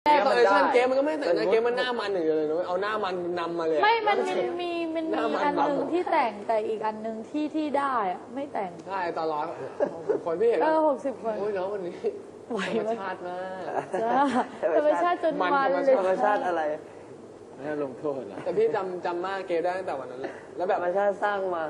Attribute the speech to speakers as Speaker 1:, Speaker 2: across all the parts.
Speaker 1: ตอนไอชั่นเกมมันก็ไม่แต่งนะเกมมันหน้ามันอย่างเดียวเลยนะเอาหน้ามันนำมาเลย
Speaker 2: ไม่มันมีอันหนึ่งที่แต่งแต่อีกอันหนึ่งที่ได้อะไม่แต่ง
Speaker 1: ใช่ตอนร้อนคนพี่เห็น
Speaker 2: 60 คน
Speaker 1: โอ้ยน้องวันนี้ธรรมชาติมาก
Speaker 2: จ้าธรรมชาติจนมันเลย
Speaker 3: ธรรมชาติอะไร
Speaker 4: ไม่ลงโทษเหรอ
Speaker 1: แต่พี่จำมากเกมได้ตั้งแต่วันนั้นเลยแล้วแบ
Speaker 3: ธ
Speaker 1: บ
Speaker 3: รรมชาติสร้างมา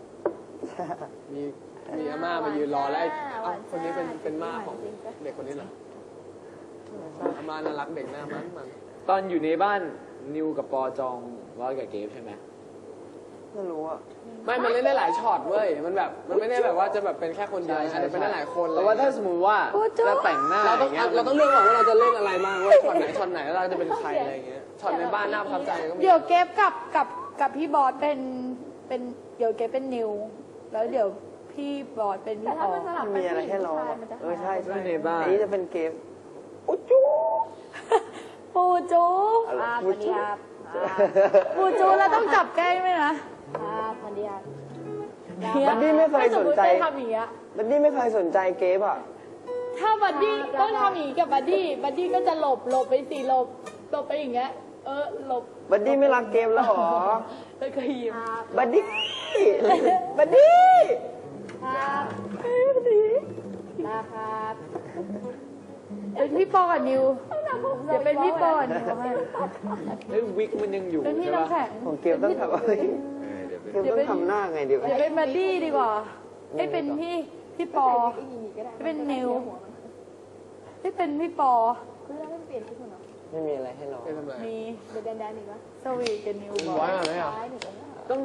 Speaker 1: มีอาม่ามายืนรอแล้วเอ้าคนนี้เป็นม่าของเด็กคนนี้เหรออาม่าน่ารักเด็กหน้ามัน
Speaker 4: ตอนอยู่ในบ้านนิวกับปอจองร้อยกับเกฟใช่ไหม
Speaker 3: ไม่รู้อ่ะ
Speaker 1: ไม่มันเล่นได้หลายช็อตเว้ยมันแบบมันไม่ได้แบบว่าจะแบบเป็นแค่คนเดียวอาจจะเป็นได้หลายคนเลย
Speaker 4: แต่ว่าถ้าสมมติว่าเราแต่งหน้า
Speaker 1: เรา
Speaker 4: อ
Speaker 1: ต้อง
Speaker 4: ย่างเงี้ย
Speaker 1: เราต้องเลือกก่อนว่าเราจะเล่นอะไรบ้างว่าช็อตไหนแล้วเราจะเป็นใครอะไรอย่างเงี้ยช็อตในบ้านน่าประทับใจก็มี
Speaker 2: เดี๋ยวเก็บกับพี่บอสเป็นเดี๋ยวเก็บเป็นนิว แล้วเดี๋ยวพี่บอสเป็นพี่ออ
Speaker 3: มีอะไรให้ร้องใช่
Speaker 4: ในบ้าน
Speaker 3: อันนี้จะเป็นเกมอุ๊จู
Speaker 2: ปูจู
Speaker 3: อุ๊จู
Speaker 2: ปูจูแล้วต้องจับแก้งไหมนะ
Speaker 3: บัดดี้ไม่เคยสนใจ
Speaker 2: ทำอย่างเงี้ย
Speaker 3: บัดดี้ไม่เคยสนใจเกมอ่ะ
Speaker 2: ถ้าบัดดี้ต้องทำอย่างงี้กับบัดดี้ก็จะหลบไปสิหลบไปอย่างเงี้ยหลบ
Speaker 3: บัดดี้ไม่รักเกมแล้วหรอ
Speaker 2: แล้วก็ยิ้ม
Speaker 3: บัดดี้บัดดี้
Speaker 2: เป็นพี่ปอกับนิวเดี๋ยวเป็นพี่ปอกับนิวให้
Speaker 4: เฮ้ยวิกมันยังอยู่
Speaker 2: เป็นพี่
Speaker 4: ใช่
Speaker 2: น้ำ
Speaker 4: ปะ
Speaker 2: แข็ง
Speaker 3: ของเกมต้องทำอะไรเกมต้องทำหน้าไงเดี๋ยว
Speaker 2: เดี๋ยวเป็นบัดดี้ดีกว่าให้เป็นพี่ปอให้เป็นนิวให้เป็นพี่ปอ
Speaker 3: ไม่มีอะไรให้ร้อง
Speaker 1: เป็นทำไร
Speaker 2: มี
Speaker 5: เดี๋ยวแดนอีกวะ
Speaker 2: สวีทกับนิวบอ
Speaker 1: ไว้
Speaker 2: ส
Speaker 1: ก่อนไหมอ่ะ
Speaker 5: ซ้ายหนึ่ง